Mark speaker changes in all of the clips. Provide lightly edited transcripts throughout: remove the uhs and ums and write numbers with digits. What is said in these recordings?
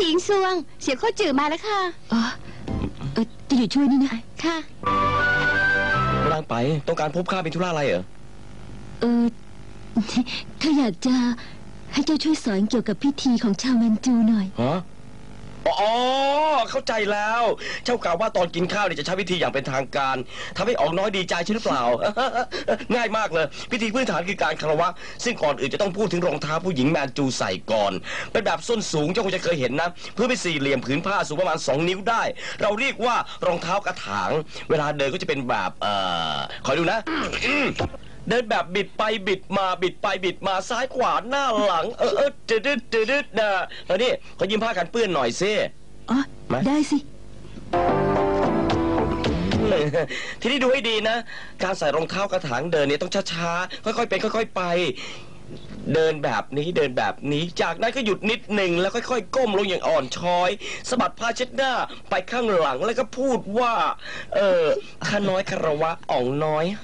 Speaker 1: หญิงซวงเสียข้อจื่อมาแล้วค่ะ
Speaker 2: อ๋อจะอยู่ช่วยนี่นะ
Speaker 1: ค่ะ
Speaker 3: กำลังไปต้องการพบข้าเป็นธุระอะไรเหรอ
Speaker 2: ข้าอยากจะให้เจ้าช่วยสอนเกี่ยวกับพิธีของชาวแมนจูหน่อย
Speaker 3: ฮะอ๋อเข้าใจแล้วเจ้ากล่าวว่าตอนกินข้าวเนี่ยจะใช้วิธีอย่างเป็นทางการทำให้ออกน้อยดีใจใช่หรือเปล่า ง่ายมากเลยพิธีพื้นฐานคือการคารวะซึ่งก่อนอื่นจะต้องพูดถึงรองเท้าผู้หญิงแมนจูใส่ก่อนเป็นแบบส้นสูงเจ้าคงจะเคยเห็นนะเพื่อเป็นสี่เหลี่ยมผืนผ้าสูงประมาณ2 นิ้วได้เราเรียกว่ารองเท้ากระถางเวลาเดินก็จะเป็นแบบคอยดูนะ เดินแบบบิดไปบิดมาบิดไปบิดมาซ้ายขวาหน้าหลังดืดนะแล้วนี่ขอยืมผ้ากันเปื้อนหน่อยซิ
Speaker 2: อ๋อได้สิ
Speaker 3: ทีนี้ดูให้ดีนะการใส่รองเท้ากระถางเดินเนี่ยต้องช้าๆค่อยๆเป็นค่อยๆไปเดินแบบนี้เดินแบบนี้จากนั้นก็หยุดนิดหนึ่งแล้วค่อยๆก้มลงอย่างอ่อนช้อยสะบัดผ้าเช็ดหน้าไปข้างหลังแล้วก็พูดว่าข้าน้อยคารวะอ่องน้อย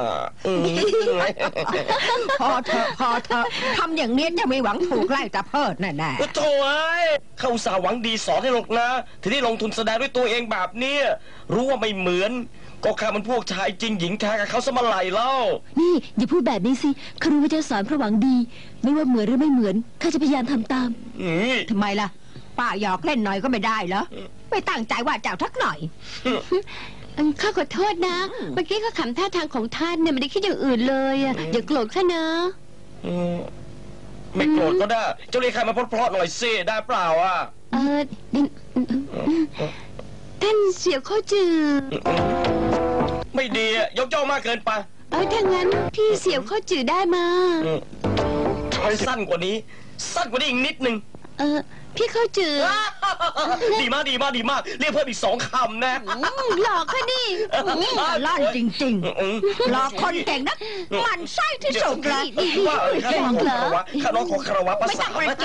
Speaker 4: พอเถอะทำอย่างนี้จะไม่หวังถูกไล่ตะเพิดแน่
Speaker 3: ๆโถ่เข้าอุตส่าห์หวังดีสอนให้หรอกนะทีนี้ลงทุนแสดงด้วยตัวเองแบบนี้รู้ว่าไม่เหมือนก็ข้ามันพวกชายจริงหญิงแท้กับเขาสมัยไหลเล่า
Speaker 2: นี่อย่าพูดแบบนี้สิข้ารู้ว่าเจ้าสอนเพราะหวังดีไม่ว่าเหมือนหรือไม่เหมือนข้าจะพยายามทำตาม
Speaker 4: ทำไมล่ะป้าหยอกเล่นหน่อยก็ไม่ได้เหรอไม่ตั้งใจว่าเจ้าทักหน่อย
Speaker 1: ข้าขอโทษนะเมื่อกี้ข้าขำท่าทางของท่านเนี่ยไม่ได้คิดอย่างอื่นเลยอย่าโกรธข้านะ
Speaker 3: ไม่โกรธก็ได้เจ้าเรียกใครมาเพราะๆหน่อยสิได้เปล่า
Speaker 1: ท่านเสี่ยวข้อจือ
Speaker 3: ไม่ดียกย่องมากเกินไป
Speaker 1: ถ้างั้นพี่เสี่ยวข้อจือได้มา
Speaker 3: สั้นกว่านี้อีกนิดนึง
Speaker 1: พี่ข้อจือ
Speaker 3: ดีมากเรียกเพิ่มอีก2 คำนะ
Speaker 1: หลอกค่ะดิ
Speaker 4: ลั่นจริงๆหลอกคนเก่งนะมันไส้ที่สุดเลย
Speaker 3: ว่าข้าน้องของคารวะภาษา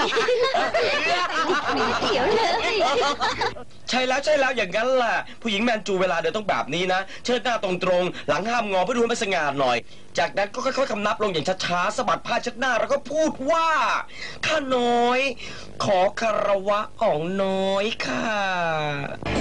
Speaker 1: เขียวเลย
Speaker 3: ใช่แล้วอย่างนั้นแหละผู้หญิงแมนจูเวลาเดินต้องแบบนี้นะเชิดหน้าตรงๆหลังห้ามงอเพื่อดูให้มันสง่าหน่อยจากนั้นก็ค่อยๆคำนับลงอย่างช้าๆสะบัดผ้าเช็ดหน้าแล้วก็พูดว่าข้าน้อยขอคารวะอ่องน้อยค่ะ